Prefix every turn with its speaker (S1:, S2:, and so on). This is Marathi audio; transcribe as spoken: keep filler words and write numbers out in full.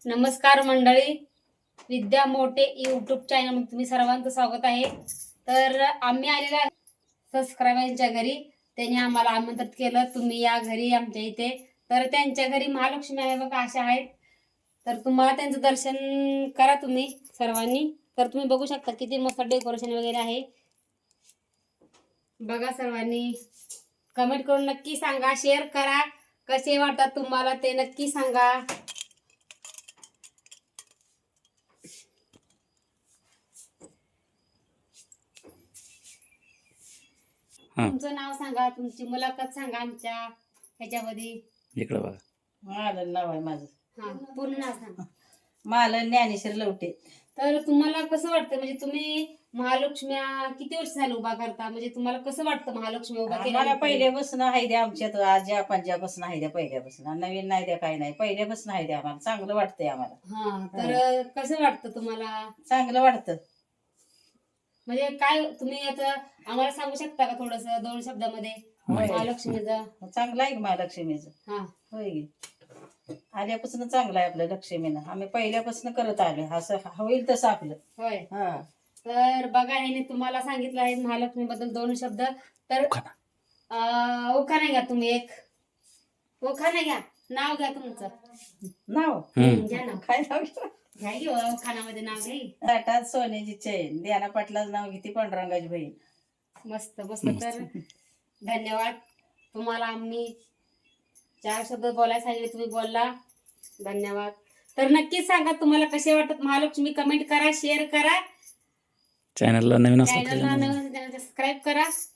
S1: नमस्कार मंडळी, विद्या मोठे यूट्यूब चॅनल मध्ये तुम्ही सर्वांचं स्वागत आहे. तर आम्ही आलेला सबस्क्रायबरच्या घरी, त्यांनी आम्हाला आमंत्रित केलं, तुम्ही या घरी आमच्या इथे. तर त्यांच्या घरी महालक्ष्मी आहे बघा, अशा आहेत. तर तुम्हाला त्यांचं दर्शन करा तुम्ही सर्वांनी. तर तुम्ही बघू शकता किती मस्त डेकोरेशन वगैरे आहे बघा. सर्वांनी कमेंट करून नक्की सांगा, शेअर करा, कसे वाटतात तुम्हाला ते नक्की सांगा. तुमचं नाव सांगा, तुमची मुलाखत सांगा आमच्या ह्याच्यामध्ये.
S2: इकडे बघा.
S3: मालन नाव आहे माझं.
S1: हा, पूर्ण नाव सांगा.
S3: मालन ज्ञानेश्वर लवटे.
S1: तर तुम्हाला कसं वाटतं, म्हणजे तुम्ही महालक्ष्मी किती वर्ष झालं उभा करता, म्हणजे तुम्हाला कसं वाटतं महालक्ष्मी उभा
S3: मला
S1: केला?
S3: पहिल्यापासून आहे द्या आमच्यात, आज्या पंजापासून आहे द्या, पहिल्यापासून. नवीन नाही द्या, काही नाही, पहिल्यापासून आहे द्या. आम्हाला चांगलं वाटतंय आम्हाला.
S1: हा, तर कसं वाटतं तुम्हाला?
S3: चांगलं वाटतं.
S1: म्हणजे काय तुम्ही आता आम्हाला सांगू शकता का थोडस दोन शब्दामध्ये महालक्ष्मीचं?
S3: चांगलं आहे की महालक्ष्मीचं.
S1: हा,
S3: होय की. आल्यापासून चांगलं आहे आपलं लक्ष्मीनं. आम्ही पहिल्यापासून करत आलो, असं होईल तसं आपलं.
S1: होय.
S3: हा.
S1: तर बघा, ह्याने तुम्हाला सांगितलं आहे महालक्ष्मी बद्दल दोन शब्द. तर अं, उखाणा घ्या तुम्ही एक. उखाणा घ्या, नाव घ्या तुमचं.
S3: नाव
S1: घ्या नाव.
S3: काय नाव घ्या?
S1: घ्या की उखाणामध्ये नाव घ्या.
S3: ताटात सोन्याची चैन, द्याना पाटलाचं नाव घेते पांडुरंगाची बहीण.
S1: मस्त मस्त. तर धन्यवाद तुम्हाला. आम्ही चार शब्द बोलायला सांगितले, तुम्ही बोलला. धन्यवाद. तर नक्कीच सांगा तुम्हाला कसे वाटत महालक्ष्मी. कमेंट करा, शेअर करा,
S2: चॅनलला नवीन असतात
S1: चॅनलला नवीन सबस्क्राईब करा.